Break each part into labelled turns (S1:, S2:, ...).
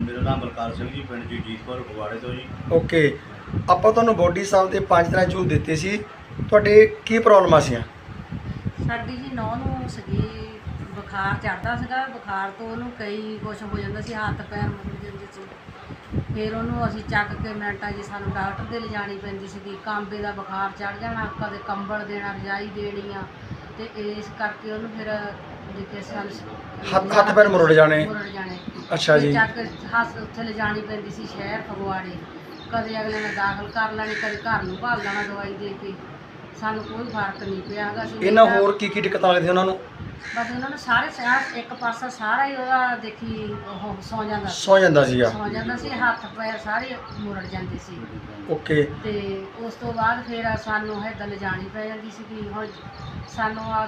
S1: ਮੇਰਾ ਨਾਮ ਬਲਕਾਰ ਸਿੰਘ ਜੀ, ਪਿੰਡ ਜੀਤਪੁਰ ਫਗਵਾੜੇ ਤੋਂ ਜੀ।
S2: ਓਕੇ, ਆਪਾਂ ਤੁਹਾਨੂੰ ਬੋਡੀ ਸਾਹਿਬ ਦੇ 5 ਤਰ੍ਹਾਂ ਜੂਸ ਦਿੱਤੇ ਸੀ। ਤੁਹਾਡੇ ਕੀ ਪ੍ਰੋਬਲਮਾਂ ਸੀ?
S3: ਸਾਡੀ ਜੀ ਨੌਂ ਨੂੰ ਸੀਗੀ ਬੁਖਾਰ ਚੜ੍ਹਦਾ ਸੀਗਾ। ਬੁਖਾਰ ਤੋਂ ਉਹਨੂੰ ਕਈ ਕੁਛ ਹੋ ਜਾਂਦਾ ਸੀ, ਹੱਥ ਪੈਰ ਮੁੜ ਜਾਂਦੇ ਸੀ। ਫਿਰ ਉਹਨੂੰ ਅਸੀਂ ਚੱਕ ਕੇ ਮਿੰਟਾਂ 'ਚ ਸਾਨੂੰ ਡਾਕਟਰ ਦੇ ਲਿਜਾਣੀ ਪੈਂਦੀ ਸੀਗੀ। ਕਾਂਬੇ ਦਾ ਬੁਖਾਰ ਚੜ੍ਹ ਜਾਣਾ, ਕਦੇ ਕੰਬਲ ਦੇਣਾ, ਰਜਾਈ ਦੇਣੀ ਆ, ਤੇ ਇਸ ਕਰਕੇ ਉਹਨੂੰ ਫਿਰ ਜਿੱਥੇ ਸਾਨੂੰ
S2: ਹੱਥ ਪੈਰ ਮੁਰੜ ਜਾਣੇ। ਅੱਛਾ ਜੀ।
S3: ਚੱਕ ਕੇ ਉੱਥੇ ਲਿਜਾਣੀ ਪੈਂਦੀ ਸੀ ਸ਼ਹਿਰ ਫਗਵਾੜੇ। ਕਦੇ ਅਗਲੇ ਨੇ ਦਾਖਲ ਕਰ ਲੈਣੀ, ਕਦੇ ਘਰ ਨੂੰ ਭਾਲ ਲੈਣਾ ਦਵਾਈ ਦੇ ਕੇ। ਸਾਨੂੰ ਕੋਈ ਫਰਕ ਨਹੀਂ ਪਿਆ ਹੈਗਾ।
S2: ਇਹਨਾਂ ਹੋਰ ਕੀ ਦਿੱਕਤਾਂ ਲੱਗਦੀਆਂ ਉਹਨਾਂ ਨੂੰ?
S3: ਬਸ ਉਹਨਾਂ ਨੂੰ ਸਾਰੇ ਇੱਕ ਪਾਸਾ ਸਾਰਾ ਹੀ ਉਹਦਾ ਦੇਖੀ ਉਹ ਸੌ ਜਾਂਦਾ
S2: ਸੀਗਾ।
S3: ਸੌ ਜਾਂਦਾ ਸੀ, ਹੱਥ ਪੈਰ ਸਾਰੇ ਮੁਰੜ ਜਾਂਦੇ ਸੀ।
S2: ਓਕੇ।
S3: ਤੇ ਉਸ ਤੋਂ ਬਾਅਦ ਫਿਰ ਸਾਨੂੰ ਹੈਦਲ ਲਿਜਾਣੀ ਪੈ ਜਾਂਦੀ ਸੀ। ਹੁਣ ਸਾਨੂੰ ਆ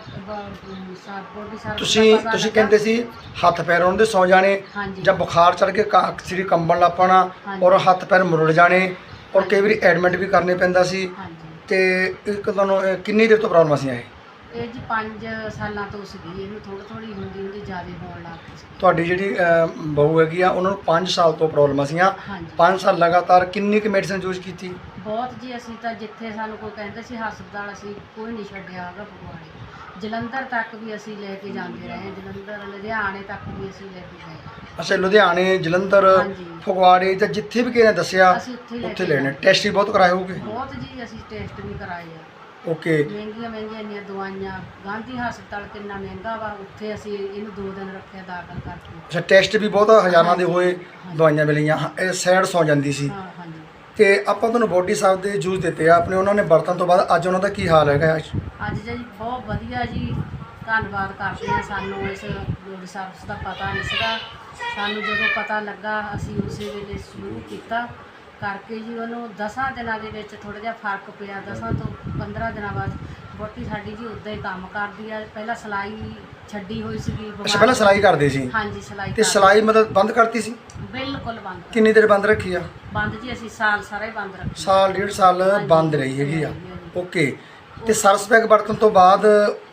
S3: ਬੋਡੀ ਸਾਰ
S2: ਤੁਸੀਂ ਕਹਿੰਦੇ ਸੀ ਹੱਥ ਪੈਰ ਉਹਨਾਂ ਦੇ ਸੌ ਜਾਣੇ, ਜਾਂ ਬੁਖਾਰ ਚੜ ਕੇ ਸਿਰ ਕੰਬਣ ਲੱਗ ਪੈਣਾ, ਔਰ ਹੱਥ ਪੈਰ ਮੁਰੜ ਜਾਣੇ, ਔਰ ਕਈ ਵਾਰੀ ਐਡਮਿਟ ਵੀ ਕਰਨੇ ਪੈਂਦਾ ਸੀ। ਤੇ ਇੱਕ ਤੁਹਾਨੂੰ ਕਿੰਨੀ ਦੇਰ ਤੋਂ ਪ੍ਰੋਬਲਮ ਸੀ
S3: ਇਹ ਜੀ 5 ਸਾਲਾਂ ਤੋਂ ਸੀਗੀ। ਇਹਨੂੰ ਥੋੜੀ ਹੁੰਦੀ ਜ਼ਿਆਦਾ ਹੋਣ ਲੱਗ ਪਈ ਸੀ।
S2: ਤੁਹਾਡੀ ਜਿਹੜੀ ਬਹੂ ਹੈਗੀ ਆ, ਉਹਨਾਂ ਨੂੰ 5 ਸਾਲ ਤੋਂ ਪ੍ਰੋਬਲਮ ਸੀਆਂ। 5 ਸਾਲ ਲਗਾਤਾਰ ਕਿੰਨੀ ਕੁ ਮੈਡੀਸਨ ਯੂਜ਼ ਕੀਤੀ?
S3: ਬਹੁਤ ਜੀ। ਅਸੀਂ ਤਾਂ ਜਿੱਥੇ ਸਾਨੂੰ ਕੋਈ ਕਹਿੰਦੇ ਸੀ ਹਸਪਤਾਲ, ਅਸੀਂ ਕੋਈ ਨਹੀਂ ਛੱਡਿਆ ਹੈਗਾ। ਫਗਵਾੜੇ ਜਲੰਧਰ ਤੱਕ ਵੀ ਅਸੀਂ ਲੈ ਕੇ ਜਾਂਦੇ ਰਹੇ। ਜਲੰਧਰ ਲੁਧਿਆਣੇ ਤੱਕ ਵੀ ਅਸੀਂ ਲੈ ਕੇ ਗਏ।
S2: ਅੱਛਾ, ਲੁਧਿਆਣੇ, ਜਲੰਧਰ, ਫਗਵਾੜੇ ਜਾਂ ਜਿੱਥੇ ਵੀ ਕਿਸੇ ਨੇ ਦੱਸਿਆ ਉੱਥੇ ਲੈਣੇ। ਟੈਸਟ ਵੀ ਬਹੁਤ ਕਰਾਏ ਹੋਗੇ?
S3: ਬਹੁਤ ਜੀ, ਅਸੀਂ ਟੈਸਟ ਵੀ ਕਰਾਏ ਆ।
S2: ਓਕੇ।
S3: ਮਹਿੰਗੀਆਂ ਇੰਨੀਆਂ ਦਵਾਈਆਂ। ਗਾਂਧੀ ਹਸਪਤਾਲ ਕਿੰਨਾ ਮਹਿੰਗਾ ਵਾ, ਉੱਥੇ ਅਸੀਂ ਇਹਨੂੰ 2 ਦਿਨ ਰੱਖਿਆ ਦਾਖਲ ਕਰਕੇ।
S2: ਅੱਛਾ, ਟੈਸਟ ਵੀ ਬਹੁਤ ਹਜ਼ਾਰਾਂ ਦੇ ਹੋਏ, ਦਵਾਈਆਂ ਮਿਲੀਆਂ। ਇਹ ਸਾਈਡ ਸੌ ਜਾਂਦੀ ਸੀ।
S3: ਹਾਂਜੀ।
S2: ਤੇ ਆਪਾਂ ਤੁਹਾਨੂੰ ਬੋਡੀ ਸਾਹਿਬ ਦੇ ਜੂਸ ਦਿੱਤੇ ਆ ਆਪਣੇ, ਉਹਨਾਂ ਨੇ ਵਰਤਣ ਤੋਂ ਬਾਅਦ ਅੱਜ ਉਹਨਾਂ ਦਾ ਕੀ ਹਾਲ ਹੈਗਾ?
S3: ਅੱਜ ਜੀ ਬਹੁਤ ਵਧੀਆ ਜੀ। ਧੰਨਵਾਦ ਕਰਦੇ ਹਾਂ। ਸਾਨੂੰ ਇਸ ਬੋਡੀ ਸਾਹਿਬ ਦਾ ਪਤਾ ਨਹੀਂ ਸੀਗਾ। ਸਾਨੂੰ ਜਦੋਂ ਪਤਾ ਲੱਗਾ ਅਸੀਂ ਉਸੇ ਵੇਲੇ ਸ਼ੁਰੂ ਕੀਤਾ ਕਰਕੇ ਜੀ। ਉਹਨੂੰ 10 ਦਿਨਾਂ ਦੇ ਵਿੱਚ ਥੋੜ੍ਹਾ ਜਿਹਾ ਫਰਕ ਪਿਆ। 10 ਤੋਂ 15 ਦਿਨਾਂ ਬਾਅਦ ਵਹੁਟੀ ਸਾਡੀ ਜੀ ਉੱਦਾਂ ਹੀ ਕੰਮ ਕਰਦੀ ਆ। ਪਹਿਲਾਂ ਸਿਲਾਈ ਛੱਡੀ ਹੋਈ ਸੀਗੀ।
S2: ਅੱਛਾ, ਪਹਿਲਾਂ ਸਿਲਾਈ ਕਰਦੇ ਸੀ?
S3: ਹਾਂਜੀ, ਸਿਲਾਈ।
S2: ਤੇ ਸਿਲਾਈ ਮਤਲਬ ਬੰਦ ਕਰਤੀ ਸੀ?
S3: ਬਿਲਕੁਲ ਬੰਦ।
S2: ਕਿੰਨੀ ਦੇਰ ਬੰਦ ਰੱਖੀ ਆ?
S3: ਬੰਦ ਜੀ ਅਸੀਂ ਸਾਲ ਸਾਰਾ ਹੀ ਬੰਦ ਰੱਖਿਆ।
S2: ਸਾਲ 1.5 ਸਾਲ ਬੰਦ ਰਹੀ ਹੈਗੀ ਆ। ਓਕੇ। ਤੇ ਸਰਸ ਪੈਕ ਵਰਤਣ ਤੋਂ ਬਾਅਦ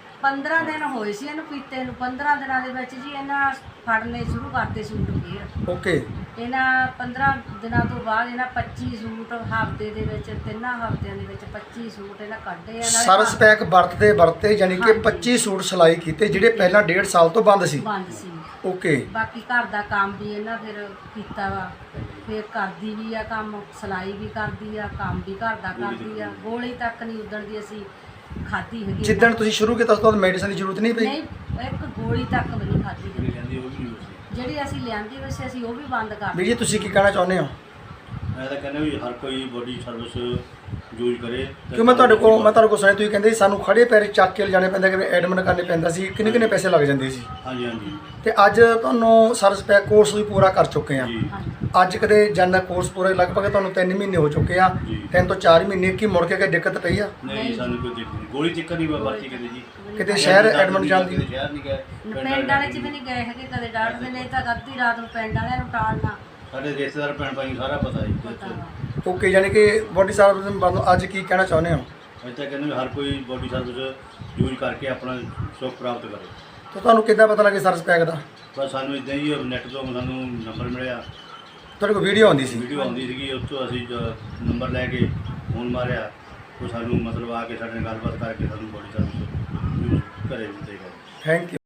S3: 15 ਦਿਨ ਹੋਏ ਸੀ ਇਹਨੂੰ ਪੀਤੇ ਨੂੰ। 15 ਦਿਨਾਂ ਦੇ ਵਿੱਚ ਜੀ ਇਹਨਾਂ ਫੜਨੇ ਸ਼ੁਰੂ ਕਰਤੇ ਸੂਟ ਫੇਰ।
S2: ਓਕੇ।
S3: ਇਹਨਾਂ 15 ਦਿਨਾਂ ਤੋਂ ਬਾਅਦ ਇਹਨਾਂ 25 ਸੂਟ ਹਫ਼ਤੇ ਦੇ ਵਿੱਚ, 3 ਹਫ਼ਤਿਆਂ ਦੇ ਵਿੱਚ 25 ਸੂਟ ਇਹਨਾਂ ਕੱਢੇ ਆ।
S2: ਸਰਸ ਪੈਕ ਵਰਤੇ ਯਾਨੀ ਕਿ 25 ਸੂਟ ਸਿਲਾਈ ਕੀਤੇ ਜਿਹੜੇ ਪਹਿਲਾਂ 1.5 ਸਾਲ ਤੋਂ ਬੰਦ ਸੀ। ਓਕੇ।
S3: ਬਾਕੀ ਘਰ ਦਾ ਕੰਮ ਵੀ ਇਹਨਾਂ ਫਿਰ ਕੀਤਾ ਵਾ। ਫਿਰ ਕਰਦੀ ਵੀ ਆ ਕੰਮ, ਸਿਲਾਈ ਵੀ ਕਰਦੀ ਆ, ਕੰਮ ਵੀ ਘਰ ਦਾ ਕਰਦੀ ਆ। ਗੋਲੀ ਤੱਕ ਨਹੀਂ ਉਦਣ ਦੀ ਅਸੀਂ ਖਾਧੀ ਹੈਗੀ।
S2: ਜਿੱਦਣ ਤੁਸੀਂ ਸ਼ੁਰੂ ਕੀਤਾ ਉਸ ਤੋਂ ਬਾਅਦ ਮੈਡੀਸਨ ਦੀ ਜ਼ਰੂਰਤ ਨਹੀਂ ਪਈ?
S3: ਨਹੀਂ, ਇੱਕ ਗੋਲੀ ਤੱਕ ਵੀ ਨਹੀਂ ਖਾਧੀ ਜਿਹੜੀ ਅਸੀਂ ਲਿਆਂਦੀ ਵੈਸੇ ਅਸੀਂ ਉਹ ਵੀ ਬੰਦ ਕਰ
S2: ਵੀਰ ਜੀ, ਤੁਸੀਂ ਕੀ ਕਹਿਣਾ ਚਾਹੁੰਦੇ ਹੋ?
S1: ਮੈਂ ਤਾਂ ਕਹਿੰਦਾ ਵੀ ਹਰ ਕੋਈ ਬੋਡੀ ਸਰਵਿਸ ਯੂਜ਼ ਕਰੇ।
S2: ਕਿਉਂ ਮੈਂ ਤੁਹਾਡੇ ਕੋਲ ਸੁਣਿਆ ਤੁਸੀਂ ਕਹਿੰਦੇ ਸੀ ਸਾਨੂੰ ਖੜੇ ਪੈਰ ਚੱਕ ਕੇ ਲਿਜਾਣੇ ਪੈਂਦਾ, ਕਿ ਐਡਮਿਟ ਕਰਨੇ ਪੈਂਦਾ ਸੀ, ਕਿੰਨੇ ਪੈਸੇ ਲੱਗ ਜਾਂਦੇ ਸੀ?
S1: ਹਾਂਜੀ।
S2: ਤੇ ਅੱਜ ਤੁਹਾਨੂੰ ਸਰਸ ਪੈਕ ਕੋਰਸ ਵੀ ਪੂਰਾ ਕਰ ਚੁੱਕੇ ਆ। ਅੱਜ ਕਦੇ ਜਾਂਦਾ ਕੋਰਸ ਪੂਰਾ ਲਗਭਗ ਤੁਹਾਨੂੰ 3 ਮਹੀਨੇ ਹੋ ਚੁੱਕੇ ਆ। 3 ਤੋਂ 4 ਮਹੀਨੇ ਕੀ ਮੁੜ ਕੇ ਕੋਈ ਦਿੱਕਤ ਪਈ ਆ?
S1: ਨਹੀਂ, ਸਾਨੂੰ ਕੋਈ ਦਿੱਕਤ ਨਹੀਂ। ਗੋਲੀ ਚੱਕਰ ਨਹੀਂ ਵਰਤੀ ਕਦੇ ਜੀ।
S2: ਕਿਤੇ ਸ਼ਹਿਰ ਐਡਮਿਟ ਜਾਂਦੀ?
S1: ਸ਼ਹਿਰ ਨਹੀਂ ਗਏ,
S3: ਪਿੰਡ ਵਾਲੇ ਚ ਵੀ ਨਹੀਂ ਗਏ ਹੈਗੇ ਕਦੇ। ਡਾਕਟਰ ਨੇ ਤਾਂ ਅੱਧੀ ਰਾਤ ਨੂੰ ਪਿੰਡ ਵਾਲਿਆਂ ਨੂੰ ਟਾਲਣਾ।
S1: ਸਾਡੇ ਰਿਸ਼ਤੇਦਾਰ ਭੈਣ ਭਾਈ ਸਾਰਾ ਪਤਾ ਜੀ।
S2: ਓਕੇ, ਯਾਨੀ ਕਿ ਬੋਡੀ ਸਰਵਿਸ ਅੱਜ ਕੀ ਕਹਿਣਾ ਚਾਹੁੰਦੇ ਹੋ?
S1: ਅੱਜ ਤਾਂ ਕਹਿੰਦੇ ਹਰ ਕੋਈ ਬੋਡੀ ਸਰਵਿਸ ਯੂਜ਼ ਕਰਕੇ ਆਪਣਾ ਸੁੱਖ ਪ੍ਰਾਪਤ ਕਰੇ।
S2: ਤਾਂ ਤੁਹਾਨੂੰ ਕਿੱਦਾਂ ਪਤਾ ਲੱਗੇ ਸਰਸ ਪੈਕ ਦਾ?
S1: ਬਸ ਸਾਨੂੰ ਇਦਾਂ ਹੀ ਨੈੱਟ ਤੋਂ ਸਾਨੂੰ ਨੰਬਰ ਮਿਲਿਆ।
S2: ਤੁਹਾਡੇ ਕੋਲ ਵੀਡੀਓ ਆਉਂਦੀ ਸੀ?
S1: ਵੀਡੀਓ ਆਉਂਦੀ ਸੀਗੀ, ਉਸ ਤੋਂ ਅਸੀਂ ਨੰਬਰ ਲੈ ਕੇ ਫੋਨ ਮਾਰਿਆ। ਉਹ ਸਾਨੂੰ ਮਤਲਬ ਆ ਕੇ ਸਾਡੇ ਨਾਲ ਗੱਲਬਾਤ ਕਰਕੇ ਸਾਨੂੰ ਬੋਡੀ ਸਰਵਿਸ ਯੂਜ਼ ਕਰੇ ਦਿੱਤੇ ਗਏ।
S2: Thank you.